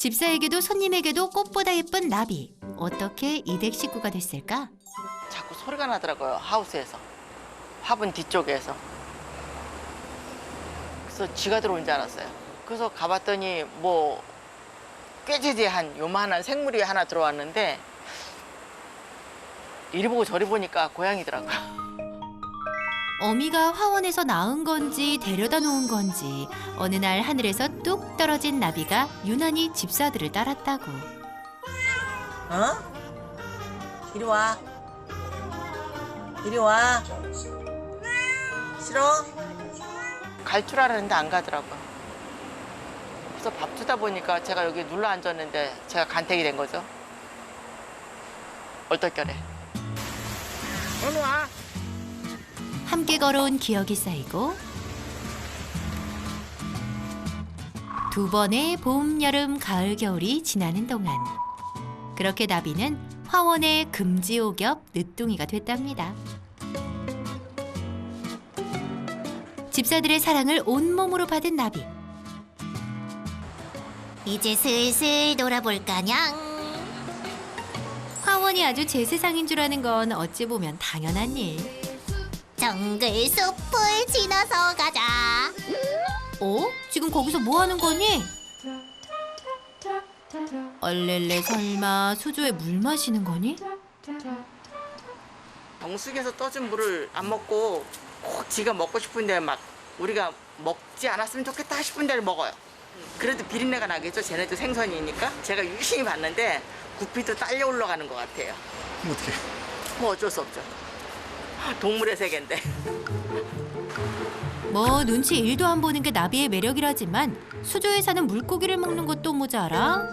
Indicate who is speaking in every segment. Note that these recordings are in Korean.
Speaker 1: 집사에게도 손님에게도 꽃보다 예쁜 나비. 어떻게 이댁 식구가 됐을까?
Speaker 2: 자꾸 소리가 나더라고요. 하우스에서. 화분 뒤쪽에서. 그래서 쥐가 들어온 줄 알았어요. 그래서 가봤더니 뭐 꾀지지한 요만한 생물이 하나 들어왔는데 이리 보고 저리 보니까 고양이더라고요.
Speaker 1: 어미가 화원에서 낳은 건지 데려다 놓은 건지 어느 날 하늘에서 뚝 떨어진 나비가 유난히 집사들을 따랐다고.
Speaker 2: 어? 이리 와. 이리 와. 싫어? 갈 줄 알았는데 안 가더라고요. 그래서 밥 주다 보니까 제가 여기 눌러 앉았는데 제가 간택이 된 거죠. 얼떨결에. 어느 와.
Speaker 1: 함께 걸어온 기억이 쌓이고 두 번의 봄, 여름, 가을, 겨울이 지나는 동안 그렇게 나비는 화원의 금지옥엽 늦둥이가 됐답니다. 집사들의 사랑을 온몸으로 받은 나비. 이제 슬슬 놀아볼까냥. 화원이 아주 제 세상인 줄 아는 건 어찌 보면 당연한 일. 정글 숲을 지나서 가자. 어? 지금 거기서 뭐 하는 거니? 얼렐레 설마 수조에 물 마시는 거니?
Speaker 2: 정수기에서 떠준 물을 안 먹고 꼭 지가 먹고 싶은데 막 우리가 먹지 않았으면 좋겠다 싶은 데를 먹어요. 그래도 비린내가 나겠죠. 쟤네도 생선이니까. 제가 유심히 봤는데 구피도 딸려 올라가는 것 같아요.
Speaker 3: 어떻게?
Speaker 2: 뭐 어쩔 수 없죠. 동물의 세계인데.
Speaker 1: 뭐 눈치 1도 안 보는 게 나비의 매력이라지만 수조에 사는 물고기를 먹는 것도 모자라.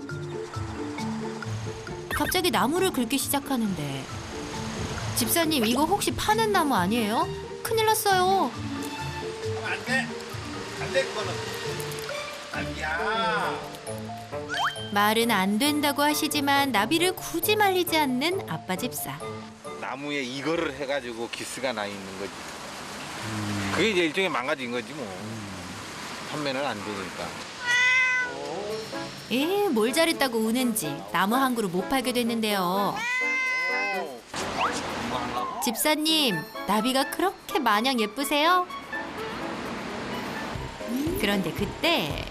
Speaker 1: 갑자기 나무를 긁기 시작하는데 집사님 이거 혹시 파는 나무 아니에요? 큰일 났어요.
Speaker 3: 안 돼. 안 돼, 그거는. 나비야.
Speaker 1: 말은 안 된다고 하시지만 나비를 굳이 말리지 않는 아빠 집사.
Speaker 4: 나무에 이거를 해가지고 기스가 나 있는 거지. 그게 이제 일종의 망가진 거지 뭐. 판매는 안 되니까.
Speaker 1: 뭘 잘했다고 우는지 나무 한 그루 못 팔게 됐는데요. 집사님, 나비가 그렇게 마냥 예쁘세요? 그런데 그때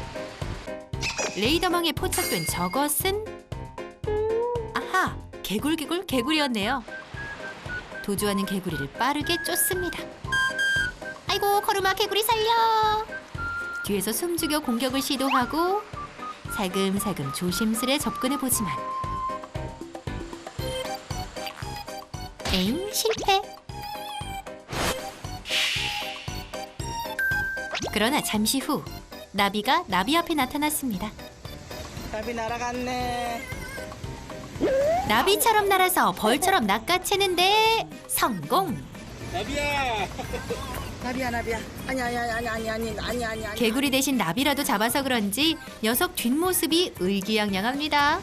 Speaker 1: 레이더망에 포착된 저것은 아하, 개구리였네요. 도주하는 개구리를 빠르게 쫓습니다. 아이고, 거루마 개구리 살려! 뒤에서 숨죽여 공격을 시도하고 살금살금 조심스레 접근해보지만 에잉, 실패. 그러나 잠시 후 나비가 나비 앞에 나타났습니다.
Speaker 2: 나비 날아갔네.
Speaker 1: 나비처럼 날아서 벌처럼 낚아채는데 성공!
Speaker 4: 나비야.
Speaker 2: 나비야. 아니.
Speaker 1: 개구리 대신 나비라도 잡아서 그런지 녀석 뒷모습이 의기양양합니다.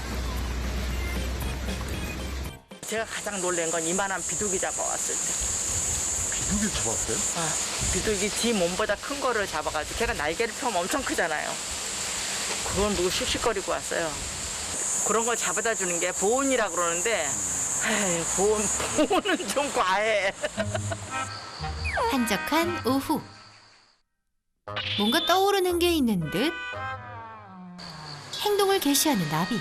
Speaker 2: 제가 가장 놀란 건 이만한 비둘기 잡아왔을 때.
Speaker 3: 비둘기 잡았어요?
Speaker 2: 비둘기 지 몸보다 큰 거를 잡아가지고 걔가 날개를 펴면 엄청 크잖아요. 그걸 보고 씩씩거리고 왔어요. 그런 걸 잡아다 주는 게 보온이라고 그러는데 에이, 보온은 좀 과해.
Speaker 1: 한적한 오후 뭔가 떠오르는 게 있는 듯 행동을 개시하는 나비.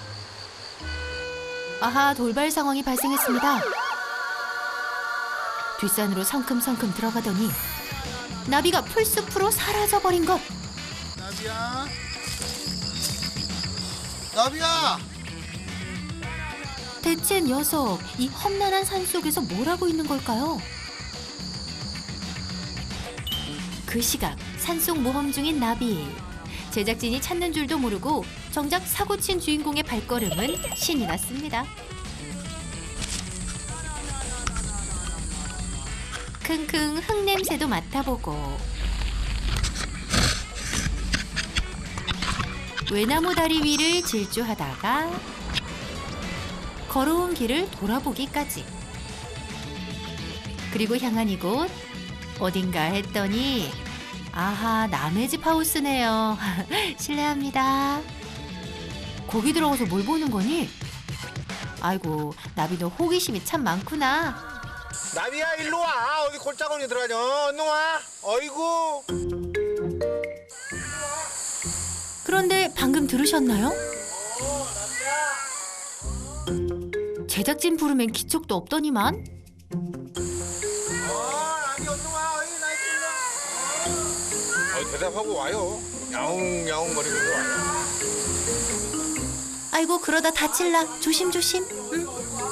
Speaker 1: 아하, 돌발 상황이 발생했습니다. 뒷산으로 성큼성큼 들어가더니 나비가 풀숲으로 사라져버린 것.
Speaker 3: 나비야.
Speaker 1: 대체 녀석 이 험난한 산속에서 뭘 하고 있는 걸까요? 그 시각 산속 모험 중인 나비. 제작진이 찾는 줄도 모르고 정작 사고친 주인공의 발걸음은 신이 났습니다. 킁킁 흙냄새도 맡아보고 외나무 다리 위를 질주하다가 걸어온 길을 돌아보기까지. 그리고 향한 이곳 어딘가 했더니 아하, 남의 집 하우스네요. 실례합니다. 거기 들어가서 뭘 보는 거니? 아이고, 나비 너 호기심이 참 많구나.
Speaker 4: 나비야 일로 와. 어디 골짜기로 들어가냐. 얼른 와. 어이구.
Speaker 1: 그런데 방금 들으셨나요? 제작진 부르면 기척도 없더니만.
Speaker 4: 나비 얼른 와. 어이 나이스. 대답하고 와요. 야옹야옹 거리면서 와요.
Speaker 1: 아이고, 그러다 다칠라. 조심조심. 응?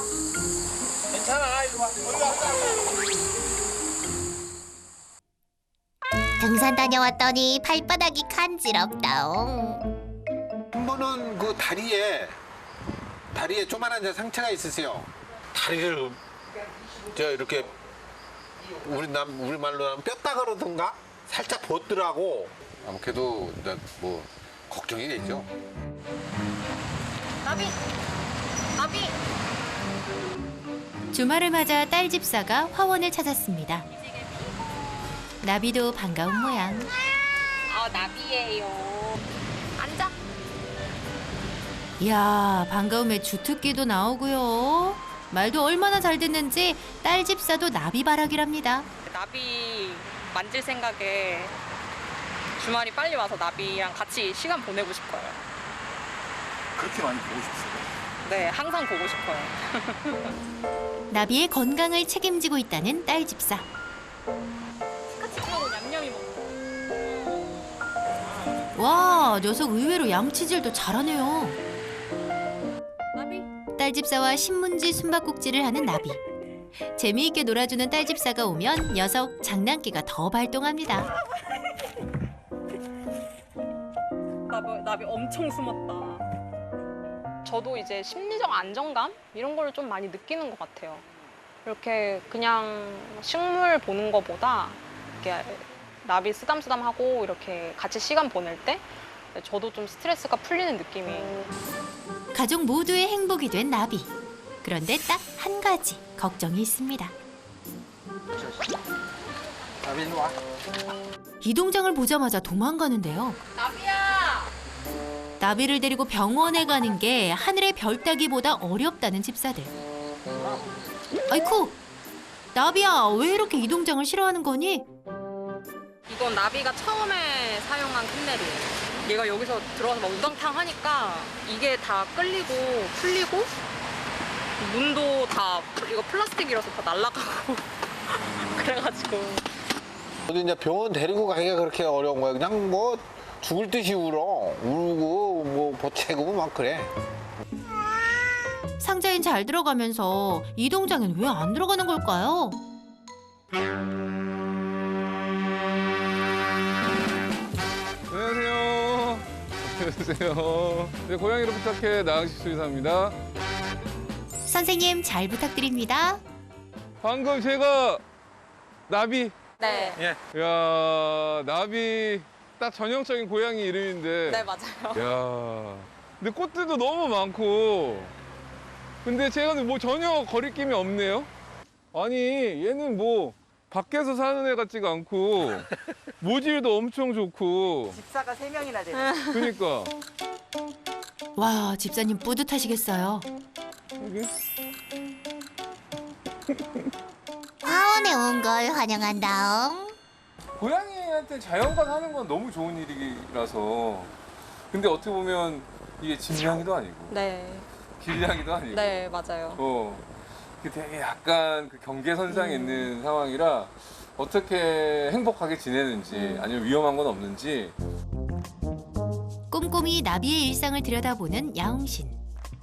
Speaker 4: 괜찮아. 이리 와.
Speaker 1: 등산 다녀왔더니 발바닥이 간지럽다옹.
Speaker 4: 한 번은 그 다리에 조만한 상처가 있으세요. 다리를 저 이렇게 우리 말로 하면 뼈다가로든가 살짝 벗더라고. 아무래도 뭐 걱정이 되죠.
Speaker 1: 나비. 주말을 맞아 딸 집사가 화원을 찾았습니다. 나비도 반가운 모양.
Speaker 5: 나비예요. 앉아.
Speaker 1: 이야, 반가움에 주특기도 나오고요. 말도 얼마나 잘 듣는지 딸 집사도 나비바라기랍니다.
Speaker 5: 나비 만질 생각에 주말이 빨리 와서 나비랑 같이 시간 보내고 싶어요.
Speaker 3: 그렇게 많이 보고 싶어요.
Speaker 5: 네, 항상 보고 싶어요.
Speaker 1: 나비의 건강을 책임지고 있다는 딸 집사.
Speaker 5: 같이 하고 냠냠이 먹고.
Speaker 1: 와, 녀석 의외로 양치질도 잘하네요.
Speaker 5: 나비.
Speaker 1: 딸 집사와 신문지 숨바꼭질을 하는 나비. 재미있게 놀아주는 딸 집사가 오면 녀석 장난기가 더 발동합니다.
Speaker 5: 나비 엄청 숨었다. 저도 이제 심리적 안정감 이런 걸 좀 많이 느끼는 것 같아요. 이렇게 그냥 식물 보는 것보다 이렇게 나비 쓰담쓰담하고 이렇게 같이 시간 보낼 때 저도 좀 스트레스가 풀리는 느낌이에요.
Speaker 1: 가족 모두의 행복이 된 나비. 그런데 딱 한 가지 걱정이 있습니다.
Speaker 4: 나비 일로 와.
Speaker 1: 이동장을 보자마자 도망가는데요.
Speaker 5: 나비야!
Speaker 1: 나비를 데리고 병원에 가는 게 하늘의 별 따기보다 어렵다는 집사들. 아이쿠! 나비야, 왜 이렇게 이동장을 싫어하는 거니?
Speaker 5: 이건 나비가 처음에 사용한 캔넬이에요. 얘가 여기서 들어와서 막 우당탕 하니까 이게 다 끌리고 풀리고 문도 다 이거 플라스틱이라서 다 날아가고 그래가지고
Speaker 4: 어디 이제 병원 데리고 가기가 그렇게 어려운 거야. 그냥 뭐 죽을 듯이 울고 뭐 보채고 막 그래.
Speaker 1: 상자엔 잘 들어가면서 이동장엔 왜 안 들어가는 걸까요?
Speaker 6: 안녕하세요. 안녕하세요. 네, 고양이로 부탁해 나항식 수의사입니다.
Speaker 1: 선생님 잘 부탁드립니다.
Speaker 6: 방금 제가 나비.
Speaker 5: 네,
Speaker 6: 야, 나비 딱 전형적인 고양이 이름인데.
Speaker 5: 네 맞아요.
Speaker 6: 야, 근데 꽃들도 너무 많고. 근데 제가 뭐 전혀 거리낌이 없네요. 아니, 얘는 뭐 밖에서 사는 애 같지가 않고 모질도 엄청 좋고.
Speaker 2: 집사가 3명이나 돼요.
Speaker 6: 그러니까.
Speaker 1: 와, 집사님 뿌듯하시겠어요.
Speaker 6: 여기.
Speaker 1: 화원에 온 걸 환영한다옹.
Speaker 6: 고양이한테 자연과 사는 건 너무 좋은 일이라서. 근데 어떻게 보면 이게 집냥이도 아니고
Speaker 5: 네,
Speaker 6: 길냥이도 아니고.
Speaker 5: 네 맞아요.
Speaker 6: 그 되게 약간 그 경계선상에 있는 상황이라 어떻게 행복하게 지내는지 아니면 위험한 건 없는지.
Speaker 1: 꼼꼼히 나비의 일상을 들여다보는 야옹신.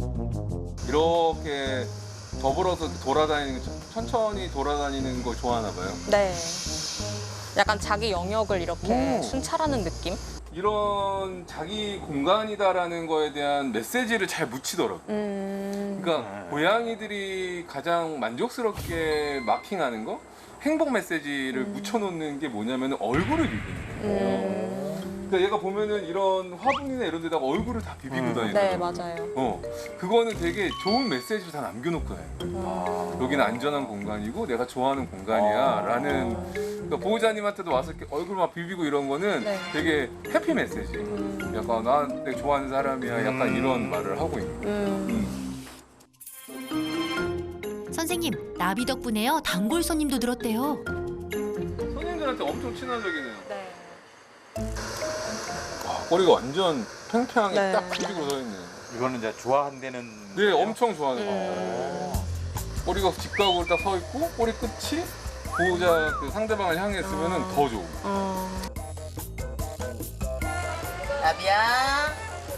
Speaker 6: 이렇게 더불어서 돌아다니는 천천히 돌아다니는 거 좋아하나 봐요.
Speaker 5: 네, 약간 자기 영역을 이렇게
Speaker 6: 오.
Speaker 5: 순찰하는 느낌?
Speaker 6: 이런 자기 공간이다라는 거에 대한 메시지를 잘 묻히더라고요. 그러니까 고양이들이 가장 만족스럽게 마킹하는 거, 행복 메시지를 묻혀놓는 게 뭐냐면 얼굴을 읽는 거예요. 그러니까 얘가 보면은 이런 화분이나 이런 데다가 얼굴을 다 비비고 다니는
Speaker 5: 네, 맞아요.
Speaker 6: 그거는 되게 좋은 메시지를 다 남겨놓고 다녀요. 여기는 안전한 공간이고 내가 좋아하는 공간이야 라는 그러니까 보호자님한테도 와서 이렇게 얼굴 막 비비고 이런 거는
Speaker 5: 네.
Speaker 6: 되게 해피 메시지. 약간 난 내가 좋아하는 사람이야 약간 이런 말을 하고 있는 거예요.
Speaker 1: 선생님, 나비 덕분에요. 단골 손님도 늘었대요.
Speaker 6: 손님들한테 엄청 친화적이네요.
Speaker 5: 네.
Speaker 6: 꼬리가 완전 팽팽하게
Speaker 5: 네.
Speaker 6: 딱 비비고 서 있네.
Speaker 3: 이거는 이제 좋아한다는.
Speaker 6: 네, 엄청 좋아하는 거예요. 꼬리가 직각으로 딱 서 있고 꼬리 끝이 보호자 그 상대방을 향해 있으면 더 좋고.
Speaker 2: 나비야.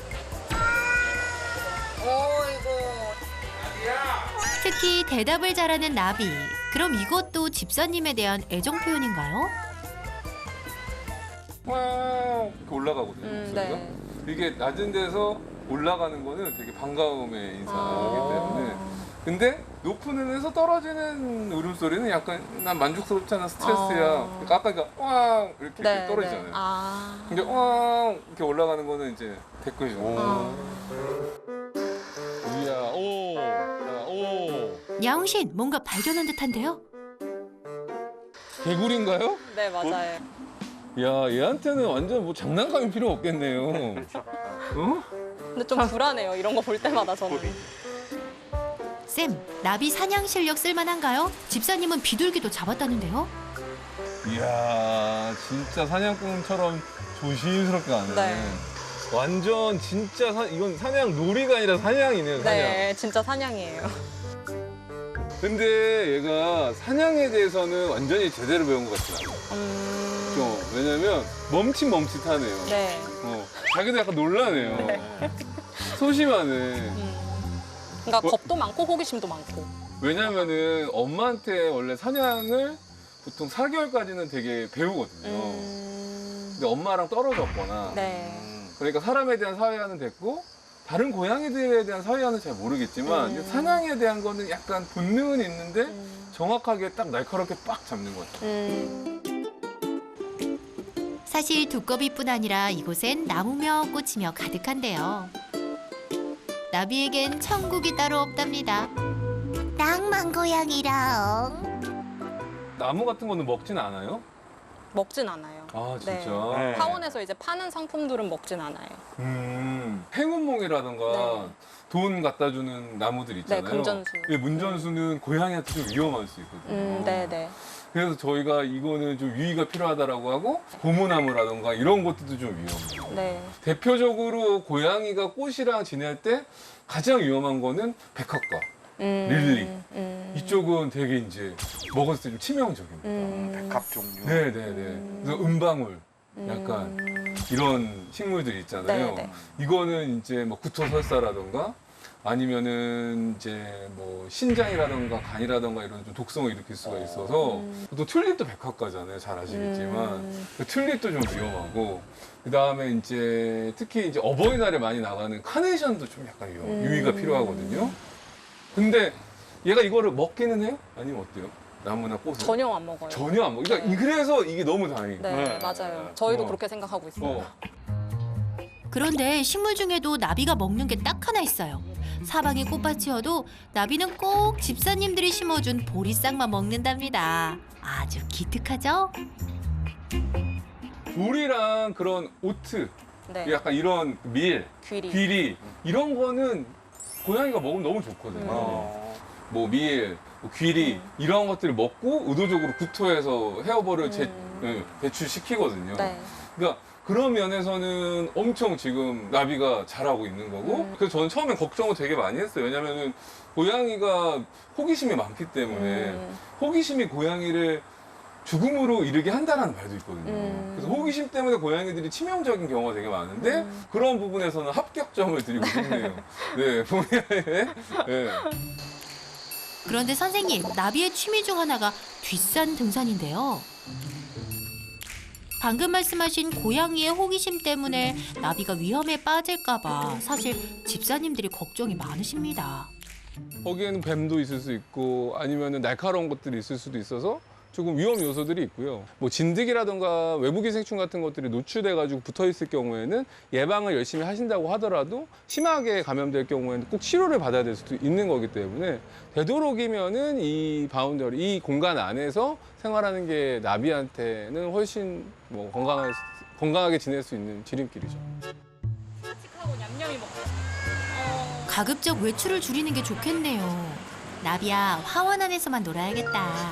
Speaker 2: 어이구.
Speaker 1: 특히 대답을 잘하는 나비. 그럼 이것도 집사님에 대한 애정 표현인가요?
Speaker 6: 와우 이렇게 올라가거든요. 목소리가.
Speaker 5: 네.
Speaker 6: 이게 낮은 데서 올라가는 거는 되게 반가움의 인사이기 때문에. 근데 높은 데에서 떨어지는 울음소리는 약간 난 만족스럽잖아 스트레스야. 그러니까 아까 와우 이렇게
Speaker 5: 네,
Speaker 6: 떨어지잖아요.
Speaker 5: 네. 아.
Speaker 6: 근데 와우 이렇게 올라가는 거는 이제 댓글이죠. 이야 오, 자, 오.
Speaker 1: 야옹신, 뭔가 발견한 듯한데요?
Speaker 6: 개구리인가요?
Speaker 5: 네, 맞아요.
Speaker 6: 야 얘한테는 완전 뭐 장난감이 필요 없겠네요. 어?
Speaker 5: 근데 좀 불안해요. 이런 거 볼 때마다 저는.
Speaker 1: 쌤, 나비 사냥 실력 쓸만한가요? 집사님은 비둘기도 잡았다는데요?
Speaker 6: 이야 진짜 사냥꾼처럼 조심스럽게 가네.
Speaker 5: 네.
Speaker 6: 완전 진짜 이건 사냥 놀이가 아니라 사냥이네요. 사냥.
Speaker 5: 네, 진짜 사냥이에요.
Speaker 6: 근데 얘가 사냥에 대해서는 완전히 제대로 배운 것 같지 않아요. 좀 왜냐면 멈칫멈칫하네요.
Speaker 5: 네.
Speaker 6: 자기도 약간 놀라네요. 소심하네.
Speaker 5: 그러니까 겁도 많고 호기심도 많고.
Speaker 6: 왜냐면은 엄마한테 원래 사냥을 보통 4개월까지는 되게 배우거든요. 근데 엄마랑 떨어졌거나
Speaker 5: 네.
Speaker 6: 그러니까 사람에 대한 사회화는 됐고 다른 고양이들에 대한 사회화는 잘 모르겠지만 이제 사냥에 대한 거는 약간 본능은 있는데 정확하게 딱 날카롭게 빡 잡는 것 같아요.
Speaker 1: 사실 두꺼비뿐 아니라 이곳엔 나무며 꽃이며 가득한데요. 나비에겐 천국이 따로 없답니다. 낭만 고양이랑.
Speaker 6: 나무 같은 거는 먹진 않아요?
Speaker 5: 먹진 않아요.
Speaker 6: 아 진짜?
Speaker 5: 네. 타원에서 이제 파는 상품들은 먹진 않아요.
Speaker 6: 행운몽이라던가
Speaker 5: 네.
Speaker 6: 돈 갖다 주는 나무들 있잖아요.
Speaker 5: 네, 금전수.
Speaker 6: 이 문전수는 고양이한테 좀 위험할 수 있거든요.
Speaker 5: 네네.
Speaker 6: 그래서 저희가 이거는 좀 유의가 필요하다라고 하고 고무나무라던가 이런 것들도 좀 위험해요.
Speaker 5: 네.
Speaker 6: 대표적으로 고양이가 꽃이랑 지낼 때 가장 위험한 거는 백합과 릴리. 이쪽은 되게 이제 먹었을 때 좀 치명적입니다.
Speaker 3: 백합 종류.
Speaker 6: 네네네. 그래서 은방울 약간 이런 식물들 있잖아요.
Speaker 5: 네네.
Speaker 6: 이거는 이제 뭐 구토설사라던가 아니면은 이제 뭐 신장이라던가 간이라던가 이런 좀 독성을 일으킬 수가 있어서 또 튤립도 백합과잖아요. 잘 아시겠지만 그 튤립도 좀 위험하고 그 다음에 이제 특히 이제 어버이날에 많이 나가는 카네이션도 좀 약간 유의가 필요하거든요. 근데 얘가 이거를 먹기는 해요? 아니면 어때요? 나무나 꽃을?
Speaker 5: 전혀 안 먹어요.
Speaker 6: 전혀 안 먹어. 그러니까 그래서 이게 너무 다행이에요.
Speaker 5: 네, 맞아요. 저희도
Speaker 6: 어.
Speaker 5: 그렇게 생각하고 있어요.
Speaker 1: 그런데 식물 중에도 나비가 먹는 게 딱 하나 있어요. 사방에 꽃밭이어도 나비는 꼭 집사님들이 심어준 보리싹만 먹는답니다. 아주 기특하죠?
Speaker 6: 굴이랑 그런 오트,
Speaker 5: 네.
Speaker 6: 약간 이런 밀,
Speaker 5: 귀리.
Speaker 6: 귀리 이런 거는 고양이가 먹으면 너무 좋거든요. 뭐 밀, 뭐 귀리 이런 것들을 먹고 의도적으로 구토해서 헤어볼을 배출시키거든요.
Speaker 5: 네.
Speaker 6: 그러니까 그런 면에서는 엄청 지금 나비가 잘하고 있는 거고 그래서 저는 처음엔 걱정을 되게 많이 했어요. 왜냐면은 고양이가 호기심이 많기 때문에 호기심이 고양이를 죽음으로 이르게 한다라는 말도 있거든요. 그래서 호기심 때문에 고양이들이 치명적인 경우가 되게 많은데 그런 부분에서는 합격점을 드리고 싶네요. 네, 본의아에. 네.
Speaker 1: 그런데 선생님, 나비의 취미 중 하나가 뒷산 등산인데요. 방금 말씀하신 고양이의 호기심 때문에 나비가 위험에 빠질까봐 사실 집사님들이 걱정이 많으십니다.
Speaker 6: 거기에는 뱀도 있을 수 있고 아니면 날카로운 것들이 있을 수도 있어서 조금 위험 요소들이 있고요. 뭐 진드기라든가 외부 기생충 같은 것들이 노출돼가지고 붙어 있을 경우에는 예방을 열심히 하신다고 하더라도 심하게 감염될 경우에는 꼭 치료를 받아야 될 수도 있는 거기 때문에 되도록이면은 이 바운더리, 이 공간 안에서 생활하는 게 나비한테는 훨씬 뭐 건강하게 지낼 수 있는 지름길이죠.
Speaker 5: 하고 냠냠이 먹어.
Speaker 1: 가급적 외출을 줄이는 게 좋겠네요. 나비야, 화원 안에서만 놀아야겠다.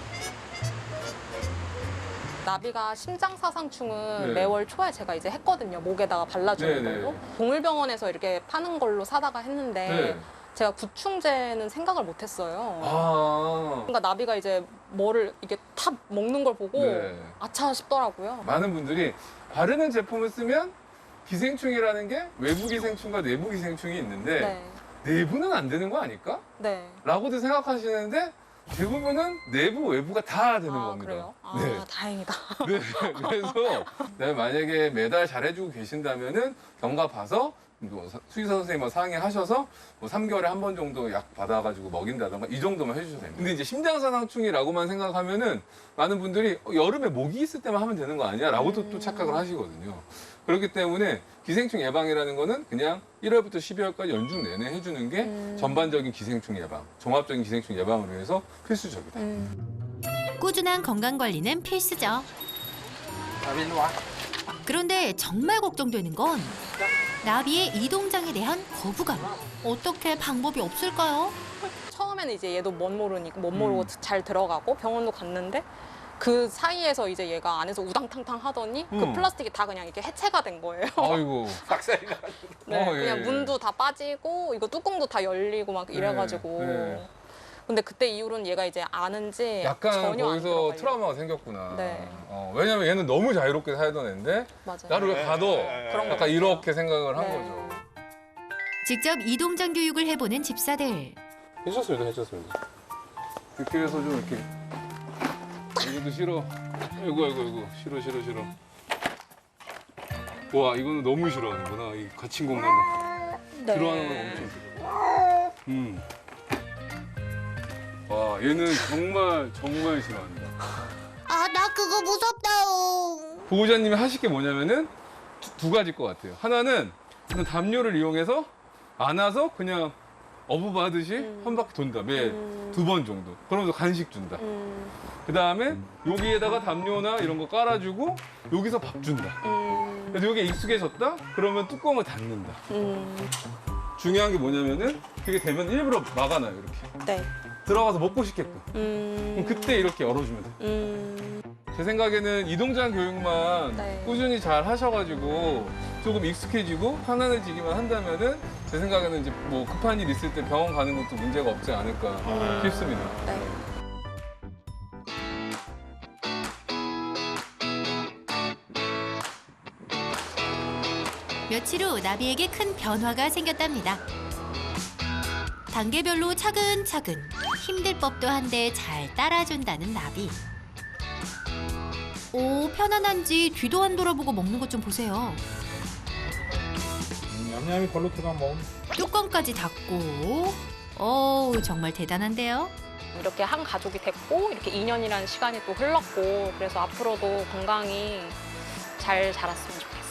Speaker 5: 나비가 심장사상충은
Speaker 6: 네.
Speaker 5: 매월 초에 제가 이제 했거든요. 목에다가 발라주는
Speaker 6: 네, 네.
Speaker 5: 걸로. 동물병원에서 이렇게 파는 걸로 사다가 했는데 제가 구충제는 생각을 못했어요.
Speaker 6: 아,
Speaker 5: 그러니까 나비가 이제 뭐를 이게 탁 먹는 걸 보고
Speaker 6: 네.
Speaker 5: 아차 싶더라고요.
Speaker 6: 많은 분들이 바르는 제품을 쓰면 기생충이라는 게 외부 기생충과 내부 기생충이 있는데
Speaker 5: 네.
Speaker 6: 내부는 안 되는 거 아닐까?
Speaker 5: 네.
Speaker 6: 라고도 생각하시는데 대부분은 내부, 외부가 다 되는
Speaker 5: 아,
Speaker 6: 겁니다.
Speaker 5: 그래요? 아,
Speaker 6: 네.
Speaker 5: 다행이다.
Speaker 6: 네. 그래서 내가 만약에 매달 잘해주고 계신다면은 경과 봐서 뭐 수의사 선생님과 상의하셔서 뭐 3개월에 한 번 정도 약 받아가지고 먹인다던가 이 정도만 해주셔도 됩니다. 근데 이제 심장사상충이라고만 생각하면은 많은 분들이 여름에 모기 있을 때만 하면 되는 거 아니야? 라고도 또 착각을 하시거든요. 그렇기 때문에 기생충 예방이라는 거는 그냥 1월부터 12월까지 연중 내내 해주는 게 전반적인 기생충 예방, 종합적인 기생충 예방을 위해서 필수적이다.
Speaker 1: 꾸준한 건강 관리는 필수죠. 그런데 정말 걱정되는 건 나비의 이동장에 대한 거부감. 어떻게 방법이 없을까요?
Speaker 5: 처음에는 이제 얘도 못 모르고 잘 들어가고 병원도 갔는데 그 사이에서 이제 얘가 안에서 우당탕탕 하더니 그 플라스틱이 다 그냥 이렇게 해체가 된 거예요.
Speaker 6: 아이고.
Speaker 4: 싹살이 나.
Speaker 5: 네,
Speaker 6: 예,
Speaker 5: 그냥
Speaker 6: 예.
Speaker 5: 문도 다 빠지고 이거 뚜껑도 다 열리고 막 이래가지고.
Speaker 6: 네.
Speaker 5: 근데 그때 이후로는 얘가 이제 아는지
Speaker 6: 약간
Speaker 5: 전혀 안
Speaker 6: 거기서
Speaker 5: 들어가요.
Speaker 6: 트라우마가 생겼구나.
Speaker 5: 네.
Speaker 6: 왜냐면 얘는 너무 자유롭게 살던 애인데
Speaker 5: 맞아요.
Speaker 6: 나를 왜 가둬?
Speaker 5: 그런 거
Speaker 6: 약간 이렇게 생각을 한
Speaker 5: 네.
Speaker 6: 거죠.
Speaker 1: 직접 이동장 교육을 해보는 집사들.
Speaker 6: 해줬습니다. 그렇게 해서 좀 이렇게 이것도 싫어. 아이고 싫어. 와 이거는 너무 싫어하는구나. 이 갇힌 공간에 들어가는 건 엄청 싫어. 와 얘는 정말 싫어합니다.
Speaker 1: 아, 나 그거 무섭다오.
Speaker 6: 보호자님이 하실 게 뭐냐면은 두 가지일 것 같아요. 하나는 그냥 담요를 이용해서 안아서 그냥 어부바듯이 한 바퀴 돈다. 매 2번 정도. 그러면서 간식 준다. 그 다음에 여기에다가 담요나 이런 거 깔아주고 여기서 밥 준다. 그래서 여기에 익숙해졌다? 그러면 뚜껑을 닫는다. 중요한 게 뭐냐면은 그게 되면 일부러 막아놔요. 이렇게.
Speaker 5: 네.
Speaker 6: 들어가서 먹고 싶게끔. 그럼 그때 이렇게 열어주면 돼요. 제 생각에는 이동장 교육만
Speaker 5: 네.
Speaker 6: 꾸준히 잘 하셔가지고 조금 익숙해지고 편안해지기만 한다면은 제 생각에는 이제 뭐 급한 일 있을 때 병원 가는 것도 문제가 없지 않을까 싶습니다.
Speaker 5: 네.
Speaker 1: 며칠 후 나비에게 큰 변화가 생겼답니다. 단계별로 차근차근 힘들 법도 한데 잘 따라준다는 나비. 오, 편안한지 뒤도 안 돌아보고 먹는 것 좀 보세요.
Speaker 3: 냠냠이 걸로 들어가면 먹으면
Speaker 1: 뚜껑까지 닫고. 오, 정말 대단한데요?
Speaker 5: 이렇게 한 가족이 됐고 이렇게 2년이라는 시간이 또 흘렀고 그래서 앞으로도 건강히 잘 자랐으면 좋겠어요.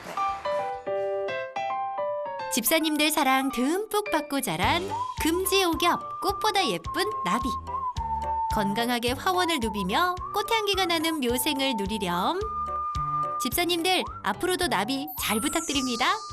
Speaker 1: 집사님들 사랑 듬뿍 받고 자란 금지오겹 꽃보다 예쁜 나비. 건강하게 화원을 누비며 꽃향기가 나는 묘생을 누리렴. 집사님들 앞으로도 나비 잘 부탁드립니다.